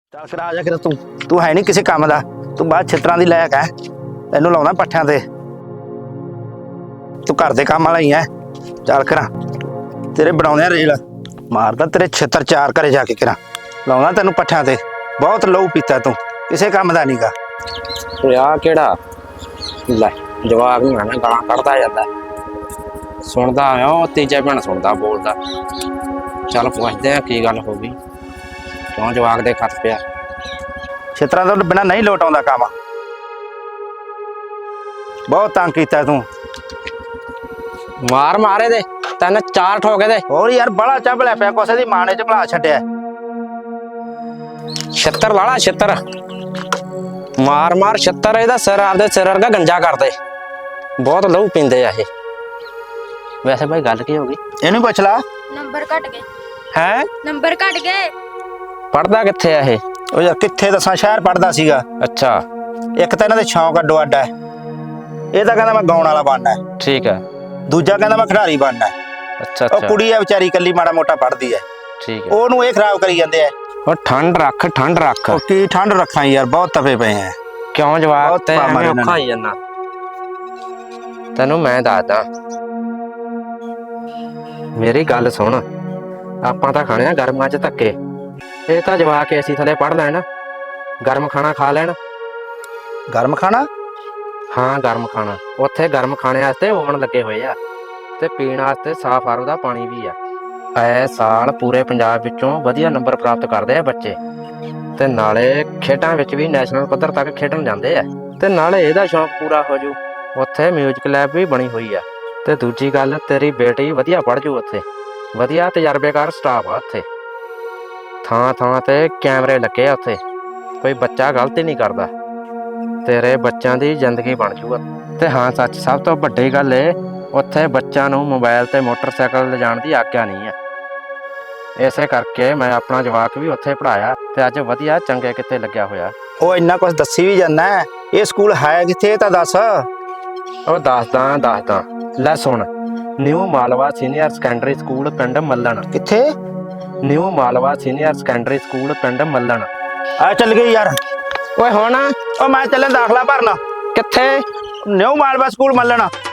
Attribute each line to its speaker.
Speaker 1: ਚੱਲ ਫਿਰ ਆ ਜਾ ਕਰ ਤੂੰ ਹੈ ਨਹੀਂ ਕਿਸੇ ਕੰਮ ਦਾ। ਤੂੰ ਬਾਅਦ ਛਿੱਤਰਾਂ ਦੀ ਲਾਇਕ ਹੈ। ਤੈਨੂੰ ਲਾਉਣਾ ਪੱਠਿਆਂ ਤੇ। ਤੂੰ ਘਰ ਦੇ ਕੰਮ ਵਾਲਾ ਹੀ ਹੈ। ਚੱਲ ਕਰਾਂ ਤੇਰੇ ਬਣਾਉਂਦੇ ਆ ਰੇਲ। ਮਾਰਦਾ ਤੇਰੇ ਛਿੱਤਰ ਚਾਰ ਘਰੇ ਜਾ ਕੇ ਕਰਾਂ। ਲਾਉਣਾ ਤੈਨੂੰ ਪੱਠਿਆਂ ਤੇ। ਬਹੁਤ ਲਹੂ ਪੀਤਾ ਤੂੰ, ਕਿਸੇ ਕੰਮ ਦਾ ਨਹੀਂਗਾ।
Speaker 2: ਆ ਕਿਹੜਾ ਲੈ ਜਵਾਬ ਨਹੀਂ ਆਣਾ, ਗਾਲਾਂ ਕੱਢਦਾ ਜਾਂਦਾ। ਸੁਣਦਾ ਆ ਉਹ ਤੀਜਾ ਭੈਣ ਸੁਣਦਾ ਬੋਲਦਾ। ਚੱਲ ਪੁੱਛਦੇ ਆ ਕੀ ਗੱਲ ਹੋ ਗਈ, ਕਿਉਂ ਜਵਾਕ ਦੇ ਖੱਤ ਪਿਆ।
Speaker 1: ਛਿੱਤਰਾਂ ਤੋਂ ਬਿਨਾਂ ਨਹੀਂ ਲੋਟ ਆਉਂਦਾ ਕੰਮ। ਬਹੁਤ ਤੰਗ ਕੀਤਾ ਤੂੰ।
Speaker 2: ਮਾਰ ਮਾਰੇ ਦੇ ਤੈਨੂੰ ਚਾਰ ਠੋਕੇ ਦੇ।
Speaker 1: ਹੋਰ ਯਾਰ ਬੜਾ ਚੱਬਲਿਆ ਪਿਆ, ਕੋਸੇ ਦੀ ਮਾਂ ਨੇ ਚਬਲਾ ਛੱਡਿਆ।
Speaker 2: ਛਿੱਤਰ ਲਾਲਾ ਛਿੱਤਰ ਮਾਰ ਮਾਰ ਛਿੱਤਰ। ਇਹਦਾ ਸਿਰ ਆਪਦੇ ਸਿਰ ਵਰਗਾ ਗੰਜਾ ਕਰਦੇ। ਬਹੁਤ ਲਹੂ ਪੀਂਦੇ ਆ ਇਹ। ਵੈਸੇ ਭਾਈ ਗੱਲ ਕੀ ਹੋ ਗਈ
Speaker 1: ਇਹਨੂੰ ਪੁੱਛ ਲਾ।
Speaker 3: ਨੰਬਰ ਘਟ ਗਏ।
Speaker 2: ਹੈ
Speaker 3: ਨੰਬਰ ਘਟ ਗਏ।
Speaker 2: ਪੜਦਾ ਕਿੱਥੇ ਆ ਇਹ?
Speaker 1: ਉਹ ਯਾਰ ਕਿੱਥੇ ਦੱਸਾਂ, ਸ਼ਹਿਰ ਪੜਦਾ ਸੀਗਾ।
Speaker 2: ਅੱਛਾ
Speaker 1: ਇੱਕ ਤਾਂ ਇਹਨਾਂ ਦੇ ਸ਼ੌਂਕ ਅੱਡੋ ਅੱਡ ਹੈ। ਇਹ ਤਾਂ ਕਹਿੰਦਾ ਮੈਂ ਗਾਉਣ ਵਾਲਾ ਬਣਨਾ ਹੈ,
Speaker 2: ਠੀਕ ਹੈ।
Speaker 1: ਦੂਜਾ ਕਹਿੰਦਾ ਮੈਂ ਖਿਡਾਰੀ ਬਣਨਾ ਹੈ।
Speaker 2: ਅੱਛਾ
Speaker 1: ਉਹ
Speaker 2: ਅੱਛਾ
Speaker 1: ਕੁੜੀ ਹੈ ਵਿਚਾਰੀ, ਇਕੱਲੀ ਮਾੜਾ ਮੋਟਾ ਪੜਦੀ ਹੈ।
Speaker 2: ਠੀਕ ਹੈ।
Speaker 1: ਉਹਨੂੰ ਇਹ ਖਰਾਬ ਕਰੀ ਜਾਂਦੇ ਆ।
Speaker 2: ਉਹ ਠੰਡ ਰੱਖ ਠੰਡ ਰੱਖ।
Speaker 1: ਉਹ ਕੀ ਠੰਡ ਰੱਖਾਂ ਯਾਰ, ਬਹੁਤ ਤਪੇ ਪਏ ਆ।
Speaker 2: ਕਿਉਂ ਜਵਾਬ
Speaker 1: ਬਹੁਤ
Speaker 2: ਤੇ
Speaker 1: ਮਾਰ
Speaker 2: ਐਵੇਂ
Speaker 1: ਇਹਨਾਂ
Speaker 2: ਔਖਾ ਹੀ ਜਾਂਦਾ। ਤੈਨੂੰ ਮੈਂ ਦੱਸਦਾ, ਮੇਰੀ ਗੱਲ ਸੁਣ। ਆਪਾਂ ਤਾਂ ਖਾਣੇ ਆ ਗਰਮਾਂ 'ਚ ਧੱਕੇ। ਇਹ ਤਾਂ ਜਵਾ ਕੇ ਅਸੀਂ ਥੱਲੇ ਪੜ ਲੈਣ, ਗਰਮ ਖਾਣਾ ਖਾ ਲੈਣ।
Speaker 1: ਗਰਮ ਖਾਣਾ?
Speaker 2: ਹਾਂ ਗਰਮ ਖਾਣਾ। ਉੱਥੇ ਗਰਮ ਖਾਣੇ ਵਾਸਤੇ ਓਵਨ ਲੱਗੇ ਹੋਏ ਆ ਤੇ ਪੀਣ ਵਾਸਤੇ ਸਾਫ਼ ਆਰੋ ਦਾ ਪਾਣੀ ਵੀ ਆ। ਐ ਸਾਲ ਪੂਰੇ ਪੰਜਾਬ ਵਿੱਚੋਂ ਵਧੀਆ ਨੰਬਰ ਪ੍ਰਾਪਤ ਕਰਦੇ ਆ ਬੱਚੇ, ਤੇ ਨਾਲੇ ਖੇਡਾਂ ਵਿੱਚ ਵੀ ਨੈਸ਼ਨਲ ਪੱਧਰ ਤੱਕ ਖੇਡਣ ਜਾਂਦੇ ਆ। ਤੇ ਨਾਲੇ ਇਹਦਾ ਸ਼ੌਂਕ ਪੂਰਾ ਹੋ ਜੂ। ਉੱਥੇ ਮਿਊਜ਼ਿਕ ਲੈਬ ਵੀ ਬਣੀ ਹੋਈ ਆ। ਤੇ ਦੂਜੀ ਗੱਲ, ਤੇਰੀ ਬੇਟੀ ਵਧੀਆ ਪੜ੍ਹ ਜੂ। ਉੱਥੇ ਵਧੀਆ ਤਜਰਬੇਕਾਰ ਸਟਾਫ ਆ। ਉੱਥੇ ਥਾਂ ਥਾਂ ਤੇ ਕੈਮਰੇ ਲੱਗੇ ਆ। ਉੱਥੇ ਕੋਈ ਬੱਚਾ ਗਲਤੀ ਨਹੀਂ ਕਰਦਾ। ਤੇਰੇ ਬੱਚਿਆਂ ਦੀ ਜ਼ਿੰਦਗੀ ਬਣ ਜੂਗਾ। ਤੇ ਹਾਂ ਸੱਚ, ਸਭ ਤੋਂ ਵੱਡੀ ਗੱਲ ਏ, ਉੱਥੇ ਬੱਚਿਆਂ ਨੂੰ ਮੋਬਾਈਲ ਤੇ ਮੋਟਰਸਾਈਕਲ ਲਿਜਾਣ ਦੀ ਆਗਿਆ ਨਹੀਂ ਆ। ਇਸੇ ਕਰਕੇ ਮੈਂ ਆਪਣਾ ਜਵਾਕ ਵੀ ਉੱਥੇ ਪੜਾਇਆ ਤੇ ਅੱਜ ਵਧੀਆ ਚੰਗੇ ਕਿੱਥੇ ਲੱਗਿਆ ਹੋਇਆ।
Speaker 1: ਉਹ ਇੰਨਾ ਕੁਝ ਦੱਸੀ ਵੀ ਜਾਂਦਾ। ਇਹ ਸਕੂਲ ਹੈ ਕਿੱਥੇ, ਇਹ ਤਾਂ ਦੱਸ।
Speaker 2: ਉਹ ਦੱਸਦਾ ਲੈ ਸੁਣ। New Malwa senior secondary school ਪਿੰਡ ਮੱਲਣ।
Speaker 1: ਕਿੱਥੇ?
Speaker 2: New Malwa senior secondary school ਪਿੰਡ ਮੱਲਣ।
Speaker 1: ਆ ਚੱਲ ਗਈ ਯਾਰ।
Speaker 2: ਓਏ ਹੁਣ
Speaker 1: ਉਹ ਮੈਂ ਚੱਲੇ ਦਾਖਲਾ ਭਰਨ।
Speaker 2: ਕਿੱਥੇ?
Speaker 1: New Malwa school ਮੱਲਣ।